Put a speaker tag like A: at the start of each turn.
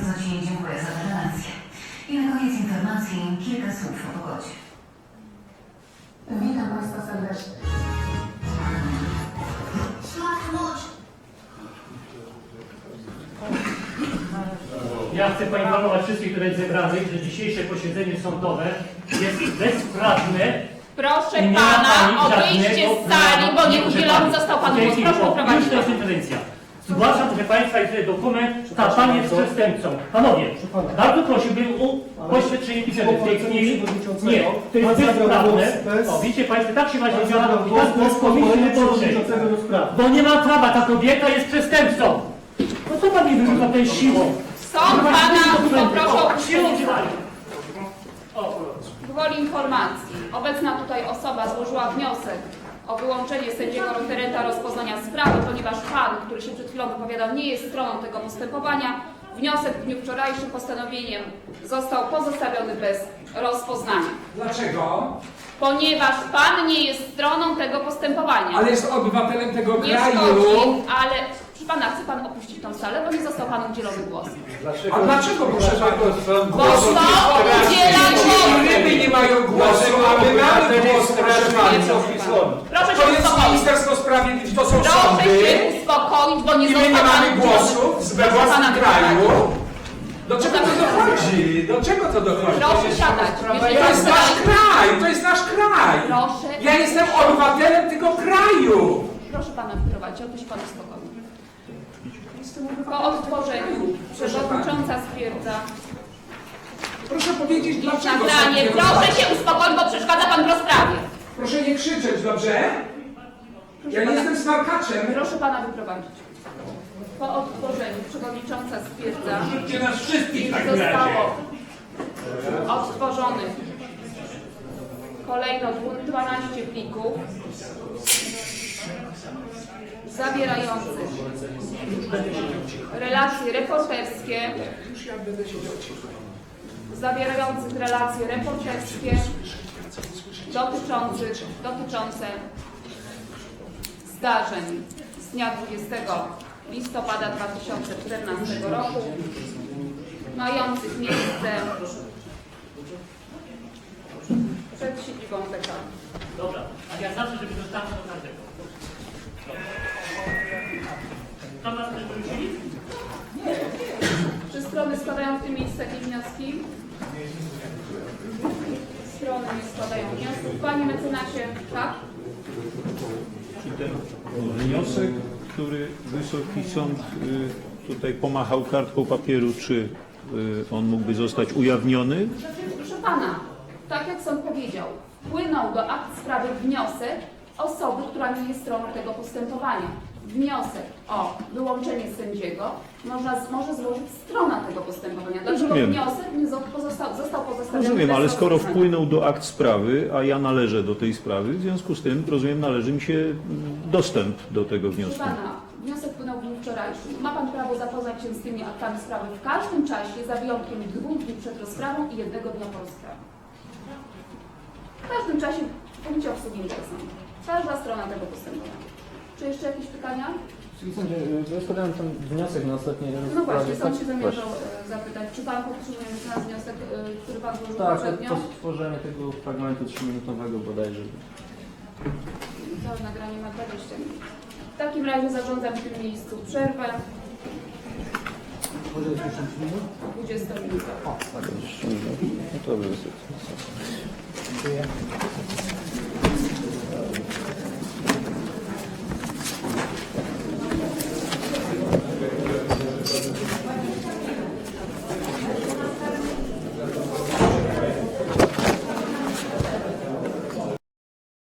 A: Bardzo Ci dziękuję za tę relację. I na koniec informacji kilka słów o pogodzie.
B: Witam Państwa serdecznie.
C: Ja chcę poinformować wszystkich tutaj zebranych, że dzisiejsze posiedzenie sądowe jest bezprawne.
D: Proszę
C: i nie ma
D: pana o
C: pani
D: wyjście
C: żadnego
D: z sali,
C: prawa.
D: bo nie udzielony został panu głos. Proszę poprowadzić.
C: Już to jest interwencja. Zgłaszam, że Państwa jest tutaj dokument, ta Pani jest przestępcą. Panowie, bardzo prosiłbym o poświadczenie pisemne w tej chwili. Nie, to jest bezprawne. O, widzicie Państwo, tak się właśnie działa i tak nas powinniśmy poruszyć. Bo nie ma prawa, ta kobieta jest przestępcą. No co Pani wyrzuca tej siłą?
D: Sąd pana poproszę o
C: Siłą
D: opuszczenie
C: działania.
D: Gwoli informacji. Obecna tutaj osoba złożyła wniosek o wyłączenie sędziego referenta rozpoznania sprawy, ponieważ pan, który się przed chwilą wypowiadał, nie jest stroną tego postępowania. Wniosek w dniu wczorajszym postanowieniem został pozostawiony bez rozpoznania.
E: Dlaczego?
D: Ponieważ pan nie jest stroną tego postępowania.
E: Ale jest obywatelem tego
D: Nie
E: kraju.
D: szkodzi, ale proszę pana, chce pan opuścić tą salę, bo nie został panu udzielony głos.
E: A dlaczego, proszę pana?
D: Bo sąd udziela głosu.
E: Ryby nie mają głosu, a my mamy głos, proszę bardzo.
D: Proszę
E: To
D: się
E: jest
D: uspokoić.
E: Ministerstwo Sprawiedliwości, to są
D: Proszę
E: sądy.
D: się uspokoić, bo nie
E: I my nie
D: został pan
E: mamy głosu we własnym kraju. Do czego to dochodzi? Do czego to dochodzi?
D: Proszę siadać. Jeżeli
E: To
D: pan
E: jest nasz
D: chce-
E: kraj, to jest nasz kraj.
D: Proszę.
E: Ja jestem obywatelem tego kraju.
D: Proszę pana wyprowadzić, obyś pan uspokoił. Po odtworzeniu przewodnicząca stwierdza
E: Proszę powiedzieć, dlaczego
D: nagranie.
E: sąd nie
D: Proszę
E: rozważa?
D: się uspokoić, bo przeszkadza pan w rozprawie.
E: Proszę nie krzyczeć, dobrze? Ja nie
D: pana.
E: jestem smarkaczem.
D: Proszę pana wyprowadzić. Po odtworzeniu przewodnicząca stwierdza,
C: Rzućcie nas wszystkich w
D: że
C: takim razie.
D: zostało odtworzonych kolejno 12 plików zawierających relacje reporterskie, dotyczące zdarzeń z dnia 20 listopada 2014 roku, mających miejsce przed siedzibą TK.
C: Dobra, a ja zawsze, żeby dostałem do każdego. Tam nas też wrócili?
D: Czy strony składają w tym miejscu jakieś wnioski? Strony nie składają wniosków. Panie mecenasie, tak?
F: Wniosek, który Wysoki Sąd tutaj pomachał kartką papieru, czy on mógłby zostać ujawniony?
D: Proszę pana, tak jak sąd powiedział, wpłynął do akt sprawy wniosek osoby, która nie jest stroną tego postępowania. Wniosek o wyłączenie sędziego może złożyć strona tego postępowania. Dlaczego
F: Rozumiem.
D: wniosek nie został pozostawiony
F: Rozumiem,
D: bez
F: ale skoro
D: rozpoznania?
F: wpłynął do akt sprawy, a ja należę do tej sprawy, w związku z tym, rozumiem, należy mi się dostęp do tego
D: Proszę
F: wniosku.
D: pana, wniosek wpłynął w dniu wczorajszym. Ma pan prawo zapoznać się z tymi aktami sprawy w każdym czasie, za wyjątkiem 2 dni przed rozprawą i 1 dnia po rozprawie. W każdym czasie w punkcie obsługi interesu. Każda strona tego postępowania. Czy jeszcze jakieś pytania?
G: Ja składałem ten wniosek na ostatniej
D: No
G: rozprawie.
D: właśnie, sąd się zamierzał zapytać, czy pan podtrzymuje nasz wniosek, który pan złożył
G: Tak,
D: poprzednio?
G: to stworzenie tego fragmentu 3-minutowego bodajże.
D: Całe nagranie ma 20 minut. W takim razie zarządzam w tym miejscu przerwę. 20 minut.
G: No to by